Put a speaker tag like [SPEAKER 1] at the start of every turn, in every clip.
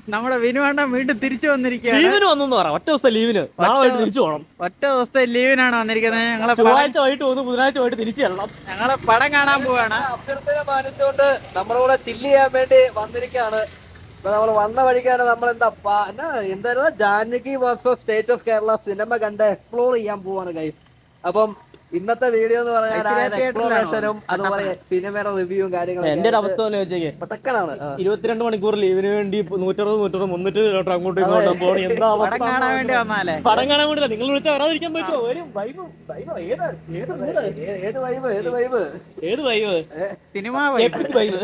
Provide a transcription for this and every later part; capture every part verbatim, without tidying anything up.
[SPEAKER 1] നമ്മുടെ വിനുവണ്ണൻ വീണ്ടും തിരിച്ചു വന്നിരിക്കുകയാണ്.
[SPEAKER 2] ലീവിന് വന്നെന്ന് പറ. ഒറ്റ ദിവസത്തെ ലീവിന് നാളെ തിരിച്ചു പോകണം.
[SPEAKER 1] ഒറ്റ ദിവസത്തെ ലീവിനാണ് വന്നിരിക്കുന്നത്. ഞങ്ങളെ
[SPEAKER 2] ചൊവ്വാഴ്ച വൈകിട്ട് പോകുന്നു, ബുധനാഴ്ച പോയിട്ട് തിരിച്ചു ചെല്ലണം.
[SPEAKER 1] ഞങ്ങളെ പടം കാണാൻ പോവാണ്.
[SPEAKER 3] അഭ്യർത്ഥന മാനിച്ചുകൊണ്ട് നമ്മുടെ കൂടെ ചില്ല് ചെയ്യാൻ വേണ്ടി വന്നിരിക്കുകയാണ്. നമ്മൾ വന്ന വഴിക്കാണ് നമ്മൾ എന്താ എന്തായിരുന്നു Janaki versus state of Kerala cinema കണ്ട് എക്സ്പ്ലോർ ചെയ്യാൻ പോവാണ് ഗൈസ്. അപ്പം ഇന്നത്തെ വീഡിയോ എന്ന് പറഞ്ഞാൽ എക്സ്പ്ലോറേഷനും അതുപോലെ സിനിമയുടെ റിവ്യൂവും കാര്യങ്ങളും.
[SPEAKER 2] എന്റെ ഒരു അവസ്ഥ
[SPEAKER 3] പട്ടക്കനാണ്.
[SPEAKER 2] ഇരുപത്തിരണ്ട് മണിക്കൂർ ലീവിന് വേണ്ടി നൂറ്ററുപത് നൂറ്ററുപത് മുന്നൂറ്റി അങ്ങോട്ടും ഇങ്ങോട്ടും പോകണം. എന്താ
[SPEAKER 1] പടം കാണാൻ വേണ്ടി വന്നാലേ.
[SPEAKER 2] പടം കാണാൻ വേണ്ടില്ല, നിങ്ങൾ വിളിച്ചാൽ വരാതിരിക്കാൻ പറ്റുമോ?
[SPEAKER 3] ഏത് വൈബ് ഏത് വൈബ്
[SPEAKER 2] ഏത് വൈബ്
[SPEAKER 1] സിനിമ
[SPEAKER 2] വൈബ്.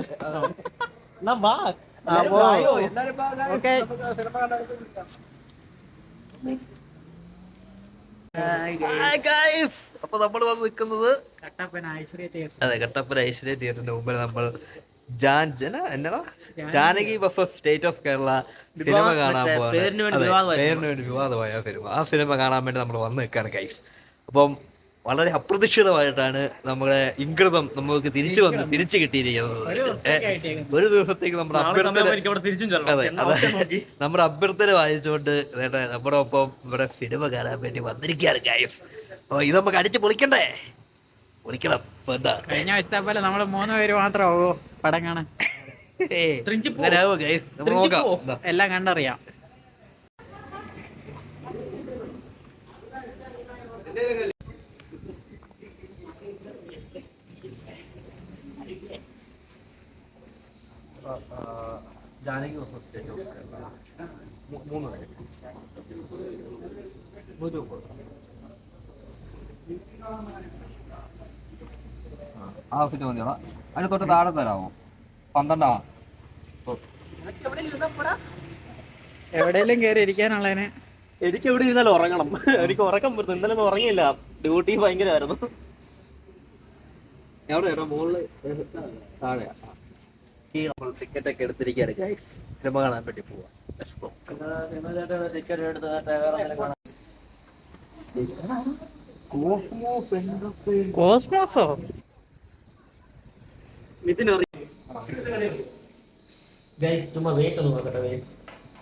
[SPEAKER 3] അപ്പൊ നമ്മൾ വന്ന് നിൽക്കുന്നത്
[SPEAKER 1] കട്ടപ്പന ഐശ്വര്യ തിയേറ്റർ.
[SPEAKER 3] അതെ, കട്ടപ്പന ഐശ്വര്യ തിയേറ്ററിന്റെ മുമ്പിൽ നമ്മൾ എന്നാ Janaki versus state of Kerala cinema കാണാൻ പോവാണ്. പേരിന് വേണ്ടി വിവാദമായ സിനിമ. ആ സിനിമ കാണാൻ വേണ്ടി നമ്മൾ വന്ന് നിൽക്കാണ് ഗൈസ്. അപ്പം വളരെ അപ്രതീക്ഷിതമായിട്ടാണ് നമ്മുടെ ഇംഗൃതം നമുക്ക് തിരിച്ചു വന്ന് തിരിച്ചു കിട്ടിയിരിക്കുന്നത്. ഒരു ദിവസത്തേക്ക് നമ്മുടെ അഭ്യർത്ഥന അതെ അതെ നമ്മുടെ അഭ്യർത്ഥന വായിച്ചുകൊണ്ട് നമ്മുടെ ഒപ്പം ഇവിടെ സിനിമ കാണാൻ വേണ്ടി വന്നിരിക്കുകയാണ് ഗൈസ്. അപ്പൊ ഇത് നമുക്ക് അടിച്ച് പൊളിക്കണ്ടേ? പൊളിക്കണം. എന്താ
[SPEAKER 1] കഴിഞ്ഞ ആഴ്ചത്തെ പോലെ നമ്മള് മൂന്ന് പേര് മാത്രമാവോ പടം കാണാൻ? എല്ലാം കണ്ടറിയാം.
[SPEAKER 3] Janaki versus state of Kerala മൂന്ന് പേര് നൂറ്റി മുപ്പത് ആ ഫിറ്റ് മതിയോടാ. അതിന് തൊട്ട് താഴെ തരാമോ? പന്ത്രണ്ടാ
[SPEAKER 1] എവിടെയെങ്കിലും കയറി ഇരിക്കാനുള്ളതിന്.
[SPEAKER 2] എനിക്ക് എവിടെ ഇരുന്നാലും ഉറങ്ങണം. എനിക്ക് ഉറക്കം പറ്റും. ഇന്നലെ ഒന്നും ഉറങ്ങിയില്ല, ഡ്യൂട്ടി ഭയങ്കരമായിരുന്നു.
[SPEAKER 3] എവിടെയാ? മുകളില് താഴെയാ. നമ്മൾ ടിക്കറ്റ് ഒക്കെ എടുത്തിരിക്കുകയാണ് ഗൈസ്. സിനിമ കാണാൻ വേണ്ടി പോവാം.
[SPEAKER 1] കോസ്മോസോ?
[SPEAKER 2] ചുമ്മാ വെയിറ്റ് ഒന്ന് നോക്കട്ടെ ഗൈസ്.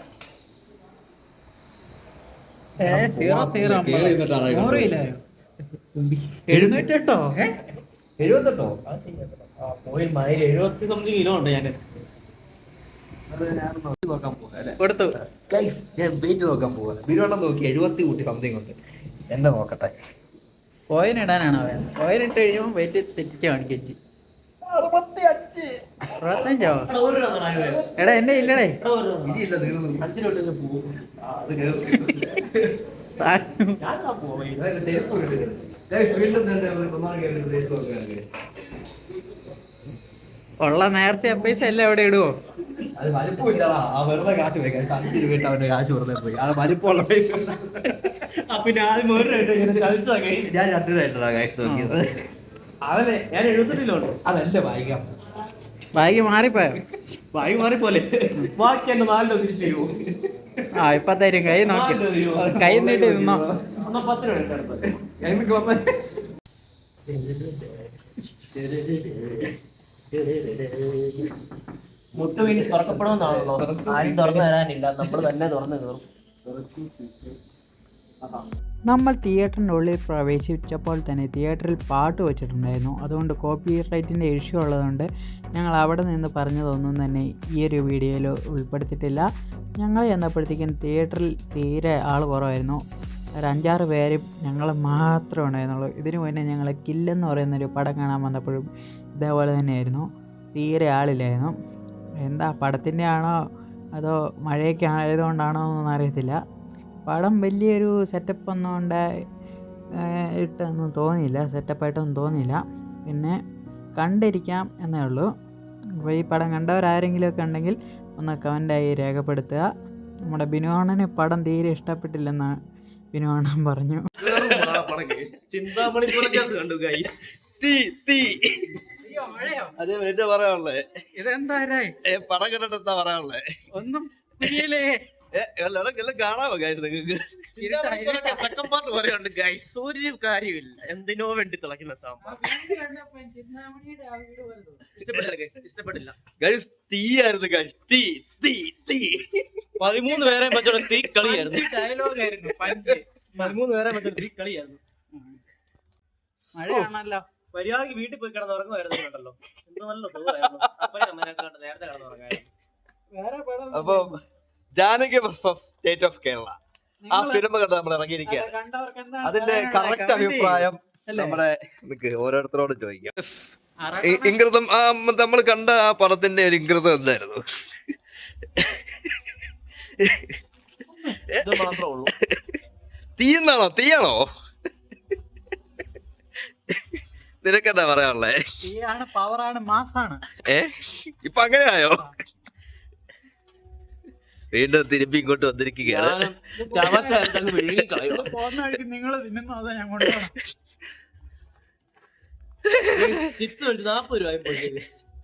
[SPEAKER 1] എഴുന്നൂറ്റെട്ടോ
[SPEAKER 2] എഴുപത്തെട്ടോ പോയി മൈൽ എഴുപത്തി സംതിങ് കിലോ ഉണ്ട്. ഞാൻ
[SPEAKER 1] കൊടുത്തു
[SPEAKER 3] ഗൈസ്. ഞാൻ വെയിറ്റ് നോക്കാൻ പോവാ. ബിരുവണ്ണം നോക്കി എഴുപത്തി കൂട്ടി സംതിങ് ഉണ്ട്. എന്നെ നോക്കട്ടെ.
[SPEAKER 1] കോയിൻ ഇടാനാണോ? കോയിൻ ഇട്ട് കഴിയുമ്പോൾ വെയിറ്റ് തെറ്റിച്ച് കാണിക്കറ്റി. അറുപത്തഞ്ചോ? എടാ എന്റെ ഇല്ലടേ. ഉള്ള നേർച്ച പൈസ എല്ലാം എവിടെ ഇടുവോ?
[SPEAKER 3] അത് വലിപ്പമില്ലടാ. ആ വെറുതെ കാശ് പോയി. അഞ്ച് രൂപ ഇട്ട് അവന്റെ കാശ് വെറുതെ പോയി. അത് വലിപ്പമുള്ള
[SPEAKER 2] പിന്നെ ആദ്യം
[SPEAKER 3] ഞാൻ രണ്ട് രൂപ കാശ് നോക്കിയത്.
[SPEAKER 2] അതല്ലേ ഞാൻ എഴുപത്തെട്ടിലോ ഉണ്ട്.
[SPEAKER 3] അതല്ല വായിക്കാം.
[SPEAKER 1] ബാഗ് മാറിപ്പോയോ?
[SPEAKER 2] ബാഗ് മാറിപ്പോലെ. ബാക്കി എന്റെ നാലിലോ തിരിച്ചു തരുമോ?
[SPEAKER 1] ആ ഇപ്പൊ തരും. കൈ നോക്കി കൈ നീട്ടി നിന്നോ.
[SPEAKER 2] എന്നാ പത്ത് രൂപ എടുത്തെടുത്ത്
[SPEAKER 3] എനിക്ക് വന്ന
[SPEAKER 2] മുട്ട വീണി തുറക്കപ്പെടുമെന്നാണല്ലോ. ആരും തുറന്നു തരാനില്ല, നമ്മൾ തന്നെ തുറന്നു കയറും.
[SPEAKER 1] നമ്മൾ തിയേറ്ററിൻ്റെ ഉള്ളിൽ പ്രവേശിച്ചപ്പോൾ തന്നെ തിയേറ്ററിൽ പാട്ട് വെച്ചിട്ടുണ്ടായിരുന്നു. അതുകൊണ്ട് കോപ്പി റൈറ്റിൻ്റെ ഇഷ്യൂ ഉള്ളതുകൊണ്ട് ഞങ്ങൾ അവിടെ നിന്ന് പറഞ്ഞതൊന്നും തന്നെ ഈ ഒരു വീഡിയോയിൽ ഉൾപ്പെടുത്തിയിട്ടില്ല. ഞങ്ങൾ ചെന്നപ്പോഴത്തേക്കും തിയേറ്ററിൽ തീരെ ആൾ കുറവായിരുന്നു. ഒരു അഞ്ചാറ് പേരും ഞങ്ങൾ മാത്രമേ ഉണ്ടായിരുന്നുള്ളൂ. ഇതിനു മുന്നേ ഞങ്ങൾ കില്ലെന്ന് പറയുന്നൊരു പടം കാണാൻ വന്നപ്പോഴും ഇതേപോലെ തന്നെയായിരുന്നു. തീരെ ആളില്ലായിരുന്നു. എന്താ പടത്തിൻ്റെ ആണോ അതോ മഴയൊക്കെ ആയതുകൊണ്ടാണോ എന്നൊന്നും അറിയത്തില്ല. പടം വലിയൊരു സെറ്റപ്പ് ഒന്നും കൊണ്ട് ഇട്ടൊന്നും തോന്നിയില്ല, സെറ്റപ്പായിട്ടൊന്നും തോന്നിയില്ല. പിന്നെ കണ്ടിരിക്കാം എന്നേ ഉള്ളൂ. അപ്പോൾ ഈ പടം കണ്ടവരാരെങ്കിലുമൊക്കെ ഉണ്ടെങ്കിൽ ഒന്ന് കമൻ്റായി രേഖപ്പെടുത്തുക. നമ്മുടെ ബിനുവാണന് പടം തീരെ ഇഷ്ടപ്പെട്ടില്ലെന്ന് ബിനുവാണൻ പറഞ്ഞു. ഇതെന്താ
[SPEAKER 3] പടം കണ്ടിട്ട് എന്താ പറയാനുള്ളേ?
[SPEAKER 1] ഒന്നും പുരിയല്ലേ?
[SPEAKER 3] എല്ലാം കാണാമോ കാര്യം നിങ്ങൾക്ക്?
[SPEAKER 2] സെക്കൻഡ് പാർട്ട് പറയുന്നുണ്ട് ഗൈസ്, ഒരു കാര്യമില്ല, എന്തിനോ വേണ്ടി തിളക്കുന്ന സാമ്പാർ. ഇഷ്ടപ്പെട്ടില്ല ഗൈസ്, ഇഷ്ടപ്പെട്ടില്ല
[SPEAKER 3] ഗൈസ്. തീയായിരുന്നു ഗൈസ്, തീ തീ തീ.
[SPEAKER 2] പതിമൂന്ന് പേരെ വെച്ചോടെ തീ കളിയായിരുന്നു. ഡയലോഗ് ആയിരുന്നു പഞ്ച്. പതിമൂന്ന് പേരെ വെച്ചോടെ തീ കളിയായിരുന്നു.
[SPEAKER 1] മഴയാണല്ലോ.
[SPEAKER 2] മര്യാദക്ക് വീട്ടിൽ പോയി കിടന്ന് ഉറങ്ങുമായിരുന്നുണ്ടല്ലോ. എന്തോ നല്ല സുഖമായിരുന്നു. അപ്പഴേ അമ്മേനെക്കാണ്ട് നേരത്തെ കിടന്ന് ഉറങ്ങായിരുന്നു.
[SPEAKER 3] അപ്പൊ Janaki versus state of Kerala ആ ഫിലിം കണ്ട് നമ്മൾ ഇറങ്ങിയിരിക്കുകയാണ്.
[SPEAKER 1] കണ്ടവർക്ക് എന്താണ്
[SPEAKER 3] അതിന്റെ
[SPEAKER 1] പറയാനുള്ളത്?
[SPEAKER 3] കറക്റ്റ്
[SPEAKER 1] comment
[SPEAKER 3] അഭിപ്രായം
[SPEAKER 1] അല്ലേ?
[SPEAKER 3] നമ്മുടെ നിക്ക് ഓരോരുത്തരോട് ചോദിക്കാം.
[SPEAKER 1] അറ-
[SPEAKER 3] ഇ- ഇംഗിതം ആ നമ്മൾ കണ്ട ആ പടത്തിന്റെ ഒരു ഇംഗിതം എന്തായിരുന്നു?
[SPEAKER 2] ഇത് മാത്രമേ ഉള്ളൂ.
[SPEAKER 3] തീയെന്നാണോ? തീയാണോ? നിനക്കെന്താ പറയാനുള്ളേ?
[SPEAKER 1] തീയാണ്, പവറാണ്, മാസാണ്.
[SPEAKER 3] ഏ ഇപ്പൊ അങ്ങനെയായോ? വീണ്ടും തിരുമ്പി ഇങ്ങോട്ട് വന്നിരിക്കുകയാണ്.
[SPEAKER 2] ഞാനും ചവച്ചരത്തങ്ങ് വിഴുങ്ങി കളയുക.
[SPEAKER 1] പോകുന്ന വഴിക്ക് നിങ്ങൾ തിന്നുന്നു, അതാ ഞാൻ കൊണ്ടുപോകണം.
[SPEAKER 2] ചിപ്സ് മേടിച്ച് നാപ്പത് രൂപ പോയി.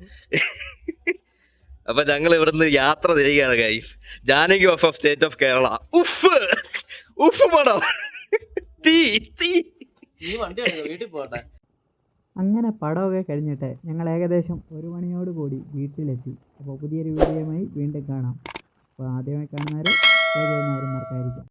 [SPEAKER 3] അപ്പൊ ഞങ്ങൾ ഇവിടുന്ന് യാത്ര തിരികെയാണ് guys. Janaki of state of Kerala. ഉഫ് ഉഫ് പടം. തീ തീ.
[SPEAKER 2] നീ വണ്ടി എടുക്കുക, വീട്ടിൽ പോകട്ടെ.
[SPEAKER 1] അങ്ങനെ പടമൊക്കെ കഴിഞ്ഞിട്ട് ഞങ്ങൾ ഏകദേശം ഒരു മണിയോട് കൂടി വീട്ടിലെത്തി. അപ്പോൾ പുതിയൊരു വീഡിയോയുമായി വീണ്ടും കാണാം. അപ്പോൾ ആദ്യമായി കാണുന്നവർ ഷെയർ ചെയ്യുന്നവരും മറക്കാതിരിക്കാം.